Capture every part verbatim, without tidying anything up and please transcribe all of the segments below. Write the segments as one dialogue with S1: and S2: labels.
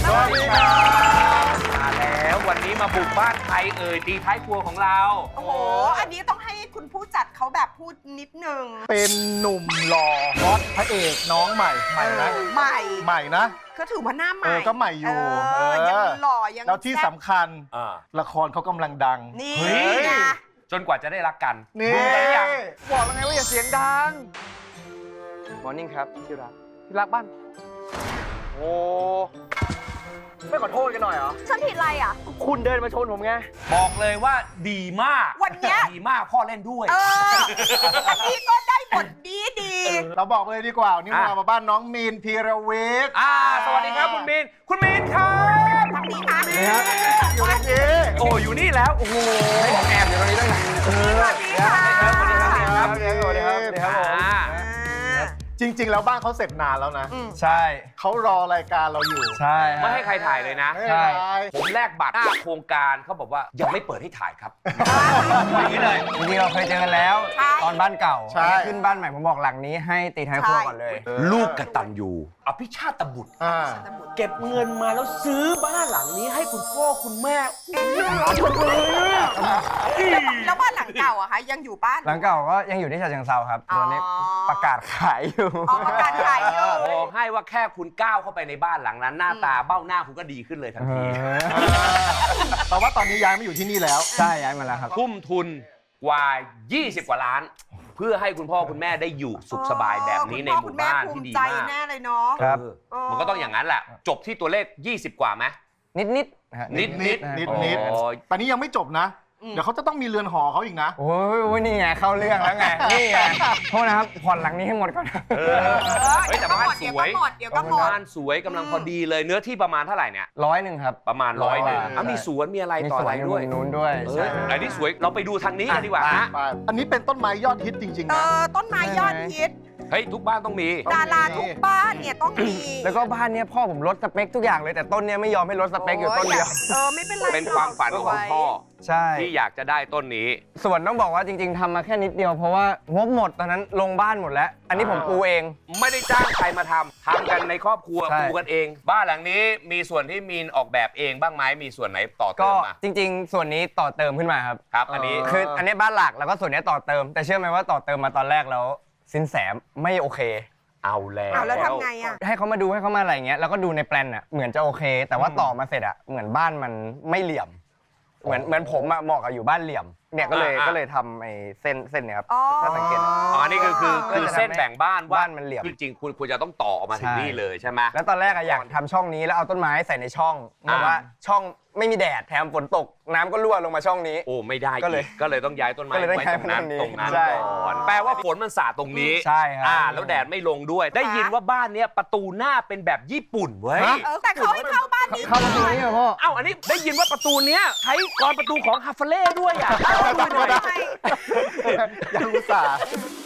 S1: สวัสดีครับ
S2: มาแล้ววันนี้มาบุกบ้านใครเอ่ยตีท้ายครัวของเรา
S3: โอ้โห อันนี้ต้องให้คุณผู้จัดเขาแบบพูดนิดนึง
S1: เป็นหนุ่มหล่อฮอตพระเอกน้องใหม่ใหม่นะ
S3: ใหม่
S1: ใหม่นะ
S3: ก็ถือว่าหน้าใหม่
S1: เออก็ใหม่อยู่
S3: เออ
S1: เออ
S3: ยังหล่อยัง
S1: แล้วที่
S3: ซ่บ
S1: สำคัญ
S2: อ่า
S1: ละครเขากำลังดัง
S3: นี่
S2: เฮ้ย
S3: ไง
S2: จนกว่าจะได้รักกัน
S1: นี่
S2: ดูกันหรือยัง
S4: บอกแล้วไงว่าอย่าเสียงดังมอร์นิ่งครับที่รักที่รักบ้านโอ้ไม่ขอโทษกันหน่อยเหรอ
S3: ฉันผิดอะไรอ่ะ
S4: คุณเดินมาชนผมไง
S2: บอกเลยว่าดีมาก
S3: วันเนี้ย
S2: ดีมากพ่อเล่นด้วย
S3: เออ อันนี้ก็ได้บทดีดี
S1: เราบอกเลยดีกว่าวันนี่
S2: อ่ะ
S1: มามาบ้านน้องมีนพีรวิทย์
S2: อ่าสวัสดีครับคุณมีนคุณมีนครับ
S3: ทางนี้ค่ะ
S1: อยู่ในนี้
S2: โอ้อยู่นี่แล้วโอ้โห
S4: ให้ผมแอบอยู่ตรงนี้ตั้งนาน
S3: สวัสดีค่ะ
S2: สวัสดีครับสวัสดีครับ
S4: สวัสดีครับสวัสดีครับผม
S2: อ่า
S3: อ่า
S1: จริง ๆ แล้วบ้านเขาเสร็จนานแล้วนะ
S3: อืม
S4: ใช่
S1: เขารอรายการเราอยู่
S4: ใช่
S2: ไม่ให้ใครถ่ายเลยนะ
S1: ไม่เป็นไร
S2: ผมแลกบัตรหน้าโครงการเขาบอกว่ายังไม่เปิดให้ถ่ายครับอย่างนี้เลย
S4: จริงๆเราเคยเจอกันแล้ว
S3: ใช่
S4: ตอนบ้านเก่า
S1: ใช่
S4: ขึ้นบ้านใหม่ผมบอกหลังนี้ให้ตีท้ายครัวก่อนเลย
S2: ลูกกตัญญูอภิชาตบุตร
S1: อ่า
S2: เก็บเงินมาแล้วซื้อบ้านหลังนี้ให้คุณพ่อคุณแม่
S3: แล้วบ้านหลังเก่าอะคะยังอยู่บ้าน
S4: หลังเก่าก็ยังอยู่ที่ฉะเชิงเทราครับตอนนี้
S3: อ๋อ
S4: ประกาศขายอยู่
S3: ออกประกาศขายอยู่
S2: บอกให้ว่าแค่คุณก้าวเข้าไปในบ้านหลังนั้น หน้าตาเบ้าหน้าคุณก็ดีขึ้นเลยทันที
S1: แต่ว่าตอนนี้ย้ายมาอยู่ที่นี่แล้ว
S4: ใช่ย้ายมาแล้วครับ
S2: ทุ่มทุนกว่า ยี่สิบ กว่าล้าน เพื่อให้คุณพ่อคุณแม่ได้อยู่สุขสบายแบบนี้ในหมู่บ้านที่ดี
S3: คุณพ่อคุณแม่ภูมิใจ
S2: มาก
S3: แน่เลยเนาะ
S4: ครับ
S2: เออมันก็ต้องอย่างนั้นแหละ จบที่ตัวเลข ยี่สิบ กว่าไหม
S4: นิดๆนะฮะ
S2: นิดนิด
S4: ะฮะ
S1: นิดนิด
S2: โอ้ย
S1: ตอนนี้ยังไม่จบนะ เดี๋ยวเขาจะต้องมีเรือนหอเขาอีกนะ
S4: โอ้ยโอ้ยนี่ไงเข้าเรื่องแล้วไง นี่ไงโทษนะครับผ่อนหลังนี้ให้หมดก่อน
S2: เออเฮ้ยแต่บ้านสวย
S3: เดี๋ยวก็หมดเดี๋ยวก็หมด
S2: บ้านสวยกำลังพอดีเลยเนื้อที่ประมาณเท่าไหร่เนี่ย
S4: ร้อยหนึ่งครับ
S2: ประมาณร้อยหนึ่ง
S4: ร้อย
S2: อ่ะมีสวนมีอะไร
S4: มี
S2: ต่อ
S4: ส
S2: อะ
S4: ว
S2: ไร
S4: นอยู่
S2: ด้วย
S4: ตรงนู้นด้วย
S2: เอ
S4: ใช่
S2: ออันนี้สวยเราไปดูทางนี้กันดีกว่าฮะ
S1: ไปอันนี้เป็นต้นไม้ยอดฮิตจริง
S3: เอ
S1: ๆ นะ
S3: อต้นไม้ยอดฮิต
S2: เฮ้ยทุกบ้านต้องมี
S1: ต้องมี
S3: ดาราทุกบ้านเนี่ยต้องมี
S4: แล้วก็บ้านเนี้ยพ่อผมลดสเปคทุกอย่างเลยแต่ต้นเนี้ยไม่ยอมให้ลดสเปคอยู่ต้นเดียว
S3: เออไม่เป็นไร
S2: เป็นความฝันของพ่อ
S4: ใช่
S2: ที่อยากจะได้ต้นนี้
S4: ส่วนต้องบอกว่าจริง ๆทำมาแค่นิดเดียวเพราะว่างบหมดตอนนั้นลงบ้านหมดแล้ว อันนี้ผมปูเอง
S2: ไม่ได้จ้างใครมาทำทำกันในครอบครัว
S4: ใช่
S2: ปูกันเอง บ้านหลังนี้มีส่วนที่มีนออกแบบเองบ้างไหมมีส่วนไหนต่อเติ
S4: ก็
S2: มมา
S4: จริง ๆ ส่วนนี้ต่อเติมขึ้นมาครับ
S2: ครับ อันนี้
S4: คืออันนี้บ้านหลักแล้วก็ส่วนนี้ต่อเติม แต่เชื่อไหมว่าต่อเติมมาตอนแรกแล้วสินแสไม่โอเค
S2: เอาแล้ว
S3: เอาแล้วทำไงอ่ะ
S4: ให้เขามาดูให้เขามาอะไรอย่างเงี้ยแล้วก็ดูในแปลนอ่ะเหมือนจะโอเค แต่ว่าต่อมาเสร็จอ่ะเหมือนบ้านมันไม่เหลี่ยม เหมือนเหมือนผมอะเหมาะกับอยู่บ้านเหลี่ยมเนี่ยก็เลยก็เลยทำไอ้เส้นเส้นเนี่ยครับ
S3: อ๋อ
S4: ถ้าสังเกต
S2: อ๋ออันนี้คือคือคือเส้นแบ่งบ้านว่า
S4: บ้านมันเหลี่ยม
S2: จริงๆคุณควรจะต้องต่อออกมาถึง
S4: ใช่
S2: นี่เลยใช่ไหม
S4: แล้วตอนแรกอะอยากทำช่องนี้แล้วเอาต้นไม้ใส่ในช่องแต่ว่าช่องไม่มีแดดแถมฝนตกน้ำก็รั่วลงมาช่องนี้
S2: โอ้ไม่ได้
S4: ก็เลย
S2: อีก็เลยต้องย้ายต้นไม้
S4: ก็เลยต้อง
S2: ไว้
S4: ย้าย
S2: ตรงนั้น
S4: มาต
S2: ต
S4: ร
S2: รง ง
S4: นี้
S2: นั้น
S4: ใช่
S2: ก่อนแปลว่าฝนมันสาดตรงนี้
S4: ใช่ครับ
S2: อ่าแล้วแดดไม่ลงด้วย ได้ยินว่าบ้านเนี้ยประตูหน้าเป็นแบบญี่ปุ่นเว้ย
S3: เออแต่เขาให้เข้าบ้านนี้
S4: เข้ามาตรงนี้เหรอพ่อ
S2: เอ้าอันนี้ได้ยินว่าประตูเนี้ยใช้กรอนประตูของฮาฟเล่ด้วยอ่ะ
S3: ก่อนหน่อย
S1: ยังอุตส่าห์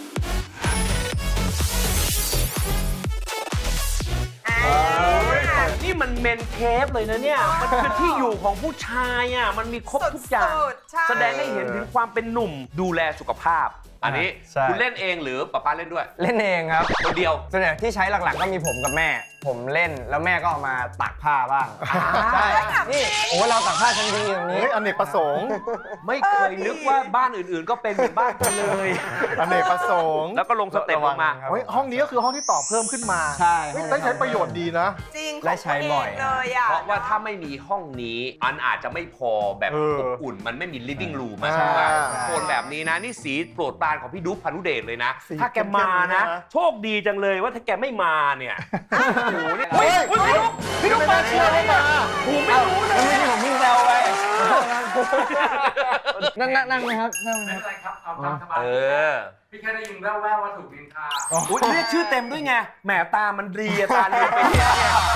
S2: นี่มันเมนเคฟเลยนะเนี่ย มันคือที่อยู่ของผู้ชายอ่ะ มันมีครบทุกอย่าง
S3: สุดๆใช่
S2: แสดงให้เห็นถึงความเป็นหนุ่มดูแลสุขภาพ อันนี้
S4: ใช่
S2: คุณเล่นเองหรือป้าป้าเล่นด้วย
S4: เล่นเองครับ
S2: คนเดียว
S4: ส่วนใหญ่ที่ใช้หลักๆก็มีผมกับแม่ ผมเล่นแล้วแม่ก็เอามาตากผ้าบ้างใช่นี่โอ้เราตากผ้าชั้นดีอย่างนี้
S1: เฮ้ยอเนกประสงค์
S2: ไม่เคยนึกว่าบ้านอื่นๆ ก็เป็นเหมือนบ้านคุณเลย
S1: อเนกประสงค์
S2: แล้วก็ลงสเต็ปลงมา
S4: ครับ
S1: เฮ้ยห้องนี้ก็คือห้องที่ต่อเพิ่มขึ้นมา
S4: ใช่
S1: เฮ้ยได้ใช้ประโยชน์ดีนะ
S3: จริง
S4: และใช้บ่อย
S3: ขงตัวเงเลยอ่ะ
S2: เพราะว่าถ้าไม่มีห้องนี้อันอาจจะไม่พอแบบ
S1: เออ
S2: อบอุ่น มันไม่มี living room อะ
S1: ใช่
S2: ใช่ไหมโทนแบบนี้นะ นี่สีโปรดปรานของพี่ดุ๊กพานุเดชเลยนะ
S1: สี
S2: ถ้าแกมานะ
S1: เข้มๆนะ
S2: โชคดีจังเลยว่าถ้าแกไม่มาเนี่ยโอ้โหเนี่ย
S1: เฮ้
S2: เฮ้
S1: ย
S2: ยพี่ดุ๊กพี่ดุ๊กมาเชียร์เลยมาผมไม่รู้เลย
S4: แล้วไม่ใช่ผมพี่แซวไปนั่งนั่งนั่งไหมครับนั่งไหม
S5: ไม่
S4: ครับ
S5: เป็นไรครับ เอาตามสบาย
S2: เออ
S5: พี่แค่ได้ยินแว่วๆว่าถูกนินทา
S2: อุ๊ยเรียกชื่อเต็มด้วยไง แหมตามันดีอะตาเรียนไปเนี่ย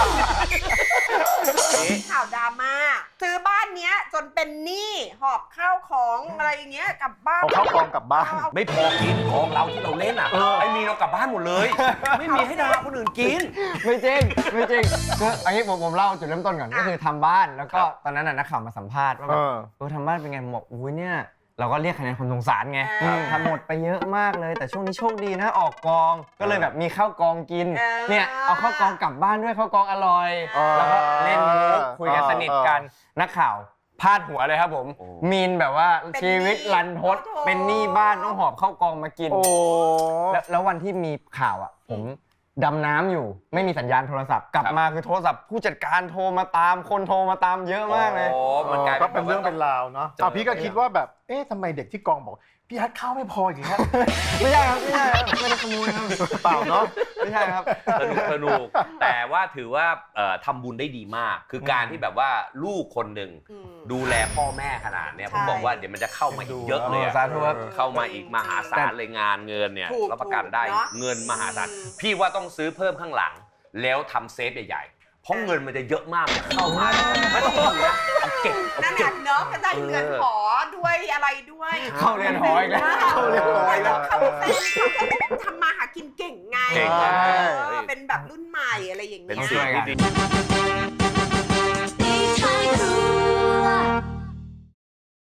S3: ข่าวดราม่าซื้อบ้านเนี้ยจนเป็นหนี้หอบข้าวของอะไรอย่างเงี้ยกลับบ้าน
S1: เอาเข้ากองกลับบ้าน
S2: ไม่พอกินของเราที่เราเล่นอ่ะไอ้มีเรากลับบ้านหมดเลย ไม่มีให้ดาราคนอื่นกิน
S4: ไม่จริงไม่จริงคืออันนี้ผมผมเล่าจุดเริ่มต้นก่อนก็คือทำบ้านแล้วก็ตอนนั้นน่ะนักข่าวมาสัมภาษณ์ว่าแบบ
S1: เออ
S4: เออทำบ้านเป็นไงผมบอกอุ้ยเนี่ยเราก็เรียกคะแนนคนสงสารไง
S3: อ่า
S4: ทำหมดไปเยอะมากเลย แต่ช่วงนี้โชคดีนะออกกอง ก็เลยแบบมีข้าวกองกิน
S3: เออ
S4: เนี่ยเอาข้าวกองกลับบ้านด้วยข้าวกองอร่อย
S3: อ๋อ
S4: แล้วก็เล่นมุกคุยกันสนิทกัน นักข่าวพาดหัวเลยครับผม
S2: โอ้
S4: มีนแบบว่า
S3: เป็น
S4: ชีวิต
S3: หนี้
S4: รันทด
S3: โอ้โถ
S4: เป็นหนี้บ้านต้องหอบข้าวกองมากิน
S1: โอ้
S4: แล้วแล้ววันที่มีข่าวอ่ะ ผมดำน้ำอยู่ไม่มีสัญญาณโทรศัพท์ กลับมาคือโทรศัพท์ผู้จัดการโทรมาตามคนโทรมาตามเยอะมากเลย
S2: โอ้มันกลาย
S1: ก็เป็นเรื่องเป็นราวเนาะ
S2: เจอ
S1: อ่ะพี่ก็คิดว่าแบบ เอ๊ะทำไมเด็กที่กองบอก พี่ฮัทข้าวไม่พออีกแล้ว
S4: ไม่ใช่ครับไม่ใช่ครับไม่ได้ขโมยครับ
S1: เปล่าเนาะ
S4: ไม่ใช่ครับ
S2: สนุกสนุกแต่ว่าถือว่าเอ่อทำบุญได้ดีมาก คือการที่แบบว่าลูกคนหนึ่ง
S3: อืม
S2: ดูแลพ่อแม่ขนาดเนี้ย
S3: ใช่
S2: ผมบอกว่าเดี๋ยวมันจะเข้ามาอีกเยอะเลยอะ
S4: สาธุครับ
S2: เข้ามาอีกมหาศาลเลยงานเงินเนี่ย
S3: ถูก
S2: รับประกันได้
S3: ถูกเนอะ
S2: เงินมหาศาล
S3: อืม
S2: พี่ว่าต้องซื้อเพิ่มข้างหลัง แล้วทำเซฟใหญ่ๆเพราะเงินมันจะเยอะมากมันเข้ามาไม่ต้องอยู่นะเอาเก็บเอา
S3: นั่น
S2: เก็
S3: น่ะ
S2: บ
S3: เนาะก็ได้เงิน
S2: เออ
S3: หอด้วยอะไรด้วย
S4: เข้าเรียนหออีกแล้ว
S1: เข้าเรียนหออีกแล้ว
S3: เขาเป็นเขาก็ทำมาหากินเก่งไง
S2: เก่ง
S3: เอ
S2: มาก
S3: อเป็นแบบรุ่นใหม่อะไรอย่าง
S2: เป็น
S3: เงี้ย
S2: สิ่งที่ดี